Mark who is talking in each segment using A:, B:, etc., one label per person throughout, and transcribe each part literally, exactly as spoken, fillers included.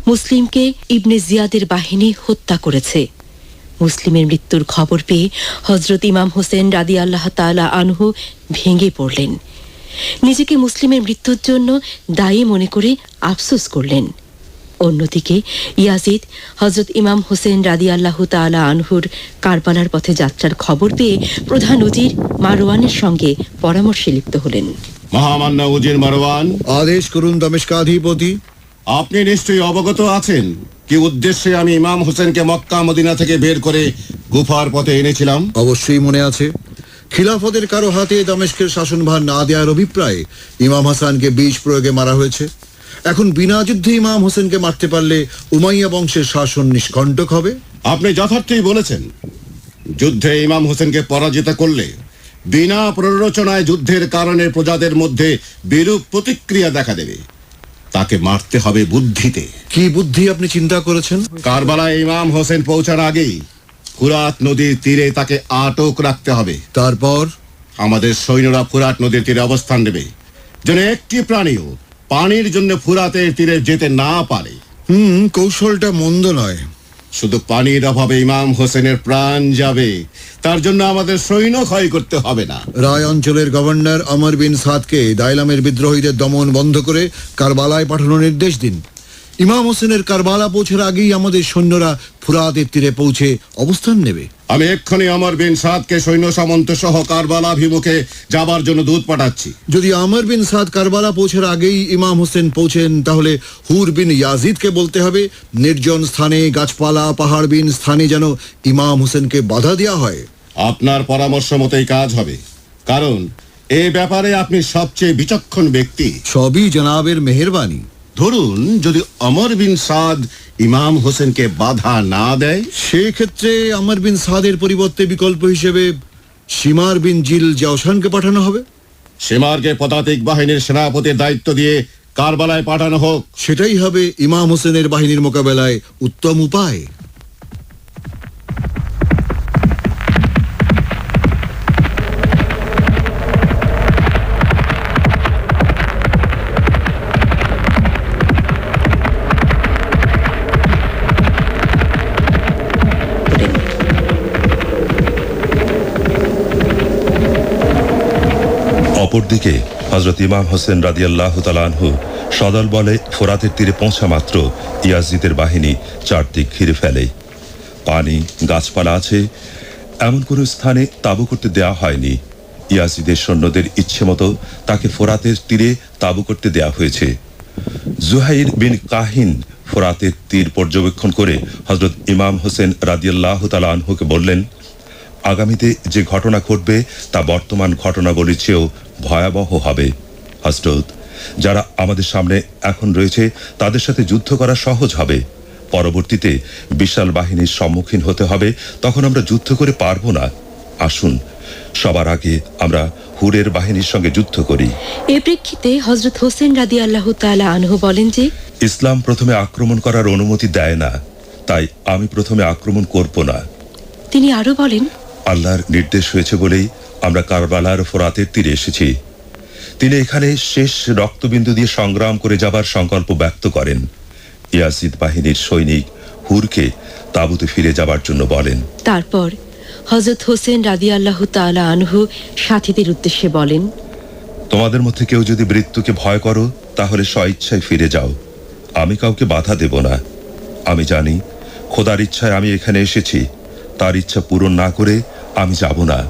A: মুসলিমকে ইবনে জিয়াদের বাহিনী হত্যা করেছে। মুসলিমের মৃত্যুর খবর পেয়ে হযরত ইমাম হোসেন রাদিয়াল্লাহু তাআলা আনহু ভেঙে পড়লেন। নিজেকে মুসলিমের মৃত্যুর জন্য দায়ী মনে করে আফসোস করলেন। অন্যদিকে ইয়াজিদ হযরত ইমাম হোসেন রাদিয়াল্লাহু তাআলা আনহুর কারবালার পথে যাত্রার খবর পেয়ে প্রধান উজির মারওয়ানের সঙ্গে পরামর্শে লিপ্ত হলেন।
B: মহামান্য উজির মারওয়ান,
C: আদেশ করুন দমেশকাধিপতি।
B: আপনি নিশ্চয়ই অবগত আছেন কি উদ্দেশ্যে আমি ইমাম হোসেনকে মক্কা মদিনা থেকে বের করে গুফার পথে এনেছিলাম?
C: অবশ্যই মনে আছে। খিলাফতের কারো হাতে দামেস্কের শাসনভার না দেওয়ার অভিপ্রায়ে ইমাম হাসানকে বিষ প্রয়োগে মারা হয়েছে। এখন বিনা যুদ্ধে ইমাম হোসেনকে মারতে পারলে উমাইয়া বংশের শাসন নিষ্কণ্টক হবে।
B: আপনি যথার্থই বলেছেন। যুদ্ধে ইমাম হোসেনকে পরাজিত করলে বিনা প্ররোচনায় যুদ্ধের কারণে প্রজাদের মধ্যে বিরূপ প্রতিক্রিয়া দেখা দেবে। তাকে মারতে হবে বুদ্ধিতে।
C: কি বুদ্ধি আপনি চিন্তা করেছেন?
B: কারবালায় ইমাম হোসেন পৌঁছার আগেই ফুরাত নদীর তীরে তাকে আটক রাখতে হবে।
C: তারপর
B: আমাদের সৈন্যরা ফুরাত নদীর তীরে অবস্থান নেবে, যেন একটি প্রাণীও পানির জন্য ফুরাতের তীরে যেতে না পারে।
C: হুম কৌশলটা মন্দ নয়।
B: শুধু পানির অভাবে ইমাম হোসেনের প্রাণ যাবে, তার জন্য আমাদের সৈন্য ক্ষয় করতে হবে না।
C: রায় অঞ্চলের গভর্নর আমর বিন সাদকে দাইলামের বিদ্রোহীদের দমন বন্ধ করে কারবালায় পাঠানোর নির্দেশ দিন। ইমাম হোসেনের কারবালা পৌঁছার আগেই আমাদের সৈন্যরা ফুরাতের তীরে পৌঁছে অবস্থান নেবে।
B: আমি এক্ষুনি আমর বিন সাদকে সৈন্য সামন্ত সহ কারবালাভিমুখে যাবার জন্য দূত পাঠাচ্ছি।
C: যদি আমর বিন সাদ কারবালা পৌঁছার আগেই ইমাম হোসেন পৌঁছেন, তাহলে হুর বিন ইয়াজিদকে বলতে হবে নির্জন স্থানে, গাছপালা পাহাড়বিন স্থানে যেন ইমাম হোসেনকে বাধা দেওয়া হয়।
B: আপনার পরামর্শ মতোই কাজ হবে, কারণ এই ব্যাপারে আপনি সবচেয়ে বিচক্ষণ ব্যক্তি।
C: সবই জনাবের মেহেরবানি।
B: ধরুন যদি আমর বিন সাদ ইমাম হোসেনকে বাধা না দেয়,
C: সেক্ষেত্রে আমর বিন সাদের পরিবর্তে বিকল্প হিসেবে শিমার বিন জিল জাওশানকে পাঠানো হবে।
B: শিমারকে পদাতিক বাহিনীর সেনাপতির দায়িত্ব দিয়ে কারবালায় পাঠানো হোক।
C: সেটাই হবে ইমাম হোসেনের বাহিনীর মোকাবেলায় উত্তম উপায়।
D: অপরদিকে হযরত ইমাম হোসেন রাদিয়াল্লাহু তাআলা আনহু সদল বলে ফোরাতের তীরে পৌঁছা মাত্র ইয়াজিদের বাহিনী চারদিক ঘিরে ফেলে। পানি, গাছপালা আছে, এমন কোনো স্থানে তাঁবু করতে দেয়া হয়নি। ইয়াজিদের সৈন্যদের ইচ্ছে মতো তাকে ফোরাতের তীরে তাঁবু করতে দেয়া হয়েছে। জুহাইর বিন কাহিন ফোরাতের তীর পর্যবেক্ষণ করে হযরত ইমাম হোসেন রাদিয়াল্লাহু তাআলা আনহুকে বললেন, আগামীতে যে ঘটনা ঘটবে তা বর্তমান ঘটনাগুলির চেয়েও ভয়াবহ হবে। হযরত, যারা আমাদের সামনে এখন রয়েছে তাদের সাথে যুদ্ধ করা সহজ হবে। পরবর্তীতে বিশাল বাহিনীর সম্মুখীন হতে হবে, তখন আমরা যুদ্ধ করে পারবো না। আসুন সবার আগে আমরা হুরের বাহিনীর সঙ্গে যুদ্ধ করি।
A: এ প্রেক্ষিতে হযরত হোসেন রাদিয়াল্লাহু তাআলা আনহু বলেন যে,
D: ইসলাম প্রথমে আক্রমণ করার অনুমতি দেয় না, তাই আমি প্রথমে আক্রমণ করব না।
A: তিনি আরো বলেন,
D: আল্লাহর নির্দেশ হয়েছে বলেই আমরা কারবালার ফোরাতের তীরে এসেছি। তিনি এখানে শেষ রক্তবিন্দু দিয়ে সংগ্রাম করে যাবার সংকল্প ব্যক্ত করেন। ইয়াজিদ বাহিনীর সৈনিক হুরকে তাঁবুতে ফিরে যাবার জন্য বলেন।
A: তারপর হযরত হোসেন রাদিয়াল্লাহু তাআলা আনহু সাথীদের উদ্দেশ্যে বলেন,
D: তোমাদের মধ্যে কেউ যদি মৃত্যুকে ভয় করো তাহলে স্বইচ্ছায় ফিরে যাও, আমি কাউকে বাধা দেব না। আমি জানি খোদার ইচ্ছায় আমি এখানে এসেছি, তার ইচ্ছা পূরণ না করে আমি যাব না।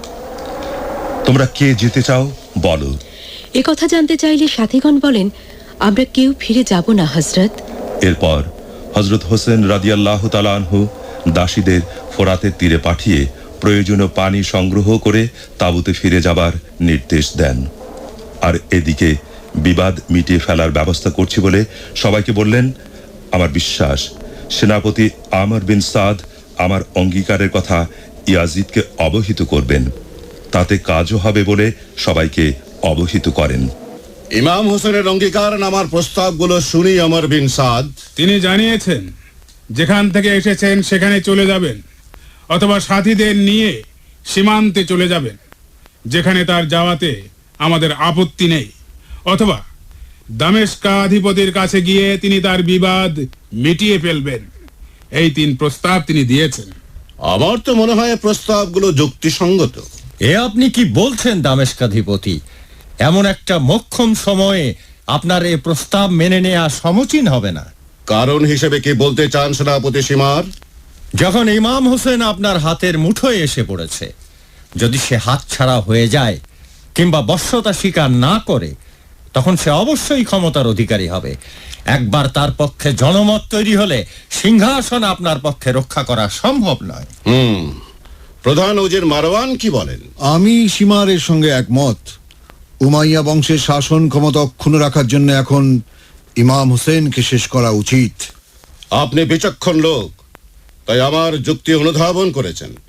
D: তোমরা কে যেতে চাও বলো।
A: এ কথা জানতে চাইলে সাথীগণ বলেন, আমরা কেউ ফিরে যাব না হযরত।
D: এরপর হযরত হোসেন রাদিয়াল্লাহু তাআলা আনহু দাসীদের ফোরাতের তীরে পাঠিয়ে প্রয়োজনীয় পানি সংগ্রহ করে তাঁবুতে ফিরে যাবার নির্দেশ দেন। আর এদিকে বিবাদ মিটিয়ে ফেলার ব্যবস্থা করছি বলে সবাইকে বললেন, আমার বিশ্বাস সেনাপতি আমর বিন সাদ আমার অঙ্গীকারের কথা ইয়াজিদকে অবহিত করবেন, তাতে কাজও হবে বলে সবাইকে অবহিত করেন।
B: ইমাম হোসেনের অঙ্গীকার নামার প্রস্তাবগুলো শুনি আমর বিন সাদ।
E: তিনি জানিয়েছেন যেখান থেকে এসেছেন সেখানে চলে যাবেন, অথবা সাথীদের নিয়ে সীমান্তে চলে যাবেন, যেখানে তার যাওয়াতে আমাদের আপত্তি নেই, অথবা দামেস্কাধিপতির কাছে গিয়ে তিনি তার বিবাদ মিটিয়ে ফেলবেন। এই তিন প্রস্তাব তিনি দিয়েছেন।
B: আমার তো মনে হয় প্রস্তাবগুলো যুক্তিসঙ্গত।
F: এ আপনি কি বলছেন দামেস্কাধিপতি? এমন একটা মোক্ষম সময়ে আপনার এই প্রস্তাব মেনে নেওয়া সমীচীন হবে না।
B: কারণ হিসেবে কি বলতে চান সেনাপতি সীমার?
F: যখন ইমাম হোসেন আপনার হাতের মুঠোয় এসে পড়েছে, যদি সে হাতছাড়া হয়ে যায় কিংবা বশ্যতা স্বীকার না করে, তখন সে অবশ্যই ক্ষমতার অধিকারী হবে। একবার তার পক্ষে জনমত তৈরি হলে সিংহাসন আপনার পক্ষে রক্ষা করা সম্ভব নয়।
B: হুম প্রধান উজির মারওয়ান কি বলেন?
C: আমি সীমারের সঙ্গে একমত। উমাইয়া বংশের শাসন ক্ষমতা অক্ষুণ্ণ রাখার জন্য এখন ইমাম হোসেনকে শেষ করা উচিত।
B: আপনি বিচক্ষণ লোক, তাই আমার যুক্তি অনুধাবন করেছেন।